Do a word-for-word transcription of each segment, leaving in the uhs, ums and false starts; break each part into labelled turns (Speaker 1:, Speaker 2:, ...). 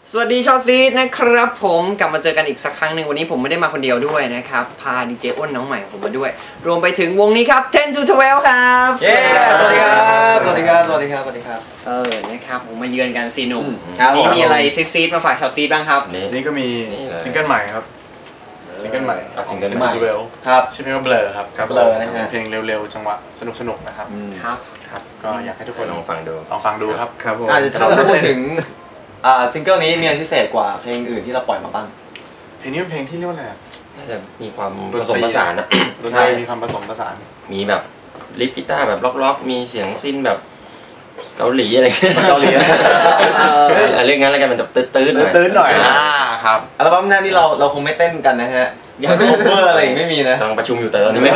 Speaker 1: สวัสดีชาวซีดนะครับผมกลับมาเจอกันอีกสักครั้งหนึ่งวันนี้ผมไม่ได้มาคนเดียวด้วยนะครับพาดีเจอ้นน้องใหม่ของผมมาด้วยรวมไปถึงวงนี้ครับten to twelve ครับ
Speaker 2: เย้สวัสดีครับสวัสดีครับสวัสดีครับสวัสดีครับ
Speaker 1: เออนะครับผมมาเยือนกันซีหนุ่มนี่มีอะไรซีดมาฝากชาวซีดบ้างครับ
Speaker 3: นี่ก็มีซิงเกิลใหม่ครับซิงเกิลใหม่
Speaker 2: ซิงเกิล
Speaker 3: ใหม่
Speaker 2: ครับ
Speaker 3: ชื่อเพลงว่าเบลอครับ
Speaker 2: เบลอนะฮะ
Speaker 3: เพลงเร็วๆจังหวะสนุกๆนะครับ
Speaker 1: ครับ
Speaker 3: ครับก็อยากให้ทุกคน
Speaker 4: ลองฟังดู
Speaker 3: ลองฟังดูครับ
Speaker 2: ครับผมถ้าเราพูดถึงอ่าซิงเกิลนี้มีอะไรพิเศษกว่าเพลงอื่นที่เราปล่อยมาบ้าง
Speaker 3: เพลงนี้เป็นเพลงที่เรียกว่าอะไร
Speaker 4: น่าจะมีความผสมผสานนะ
Speaker 3: ดนตรีมีความผสมผสาน
Speaker 4: มีแบบลิฟกีตาร์แบบล็อกๆมีเสียงซินแบบเกาหลีอะไร
Speaker 2: เกาหลี
Speaker 4: เรื่องงั้นแล้วกันมันจะตื้นๆหน่อย
Speaker 3: ตื้นหน่อยอ่าครับ
Speaker 2: อัลบั้มหน้านี่เราเราคงไม่เต้นกันนะฮะยังไม่โคเวอร์อะไรไม่มีนะ
Speaker 4: กำลังประชุมอยู่แต่ตอนนี้ไม่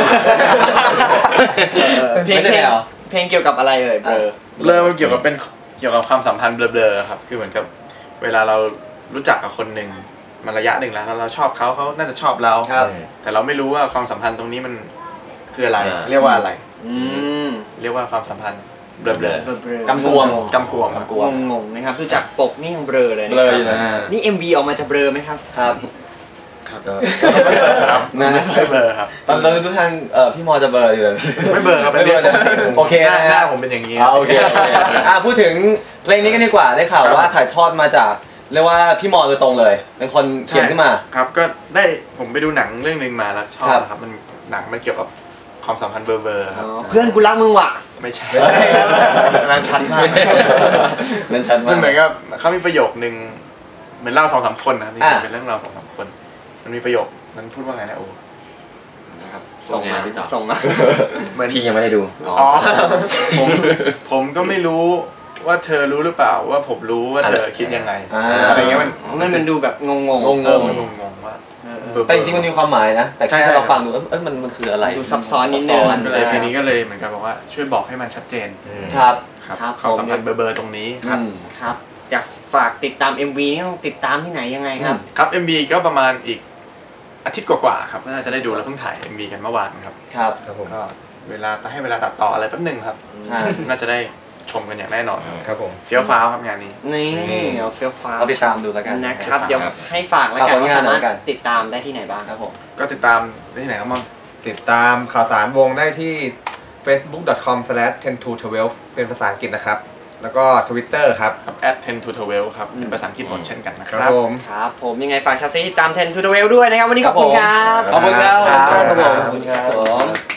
Speaker 1: เพลงเพลงเกี่ยวกับอะไรเอ่ยเบลอ
Speaker 3: เบลอมันเกี่ยวกับเป็นเกี่ยวกับความสัมพันธ์เบลอๆครับคือเหมือนกับเวลาเรารู้จักกับคนหนึ่งมาระยะหนึ่งแล้วเราชอบเขาเขาน่าจะชอบเราแต่เราไม่รู้ว่าความสัมพันธ์ตรงนี้มันคืออะไรเรียกว่าอะไรเรียกว่าความสัมพันธ์เบลอๆ
Speaker 2: กำกวม
Speaker 3: กำกวม
Speaker 1: กำกวมงงๆนะครับดูจากปกนี่ยังเบลอเลย
Speaker 2: นะครับ
Speaker 1: นี่ เอ็ม วี ออกมาจะเบลอไหมครับ
Speaker 2: ครับ
Speaker 3: ครับนั่นไม่เบลอครับ
Speaker 2: ตอนเราดูทางเอ่อพี่มอจะเบลออยู่
Speaker 3: ไม่เบลอครับไม่เบลอ
Speaker 2: โอเค
Speaker 3: หน้าผมเป็นอย่างนี้
Speaker 2: โอเคอ่ะพูดถึงเพลงนี้กันดีกว่าได้ข่าวว่าถ่ายทอดมาจากเรียกว่าพี่มอโดยตรงเลยเป็นคนเขียนขึ้นมา
Speaker 3: ครับก็ได้ผมไปดูหนังเรื่องนึงมาแล้วชอบครับมันหนังมันเกี่ยวกับความสัมพันธ์เบลอๆครับ
Speaker 1: เพื่อนกูรักมึงว่ะ
Speaker 3: ไม่ใช่นั่นชัดมาก
Speaker 2: นั่นชัดมาก
Speaker 3: มันเหมือนกับเขามีประโยคนึงเหมือนเล่าสองสามคนนะนี่เป็นเรื่องเราสองสามคนมันมีประโยคนั้นพูดว่าไงนะโอ้
Speaker 1: นะครับส่งมาส่งมา
Speaker 4: เหมือนพี่ยังไม่ได้ดู
Speaker 3: อ๋อผมผมก็ไม่รู้ว่าเธอรู้หรือเปล่าว่าผมรู้ว่าเธอคิดยังไงอะไรเงี้ยมัน
Speaker 1: มันมันดูแบบงงงง
Speaker 3: งงงงงว่า
Speaker 2: แต่จริงๆมันมีความหมายนะแต่แค่เราฟังดูเออมันมันคืออะไร
Speaker 1: ดูซับซ้อนนิดนึง
Speaker 3: เลยเพลงนี้ก็เลยเหมือนกับบอกว่าช่วยบอกให้มันชัดเจน
Speaker 2: ครับ
Speaker 3: ครับความสัมพันธ์เบอร์ตรงนี้ครับ
Speaker 1: ครับอยากฝากติดตาม เอ็ม วี นี่ต้องติดตามที่ไหนยังไงครับ
Speaker 3: ครับ เอ็ม วี ก็ประมาณอีกอาทิตย์กว่าๆครับน่าจะได้ดูแล้วเพิ่งถ่าย เอ็ม วี กันเมื่อวานครับ
Speaker 2: ครับ
Speaker 3: ก็เวลาให้เวลาตัดต่ออะไรแป๊บนึงครับน่าจะได้ชมกันอย่างแน่นอนครับผมเฟี้ยวฟ้าวครับงานนี้
Speaker 1: นี่เอาเฟี้ยวฟ้าว
Speaker 2: ติดตามดูแล้วกัน
Speaker 1: นะครับเดี๋ยวให้ฝากแล้วกันว่าสามารถติดตามได้ที่ไหนบ้างครับผม
Speaker 3: ก็ติดตามได้ที่ไหนครับมั่ง
Speaker 5: ติดตามข่าวสารวงได้ที่ เฟซบุ๊ก ดอท คอม สแลช เทน ทู ทเวลว์ เป็นภาษาอังกฤษนะครับแล้วก็ ทวิตเตอร์ ครับ
Speaker 3: แอท เทน ทู ทเวลว์ ครับเป็นภาษาอังกฤษหมดเช่นกันนะครับ
Speaker 1: ผมครับผมยังไงฝากชาวซีติดตาม เทน ทู ทเวลว์ ด้วยนะครับวันนี้ขอบคุณครับ
Speaker 2: ขอบคุณครับ
Speaker 1: ขอบคุณครับ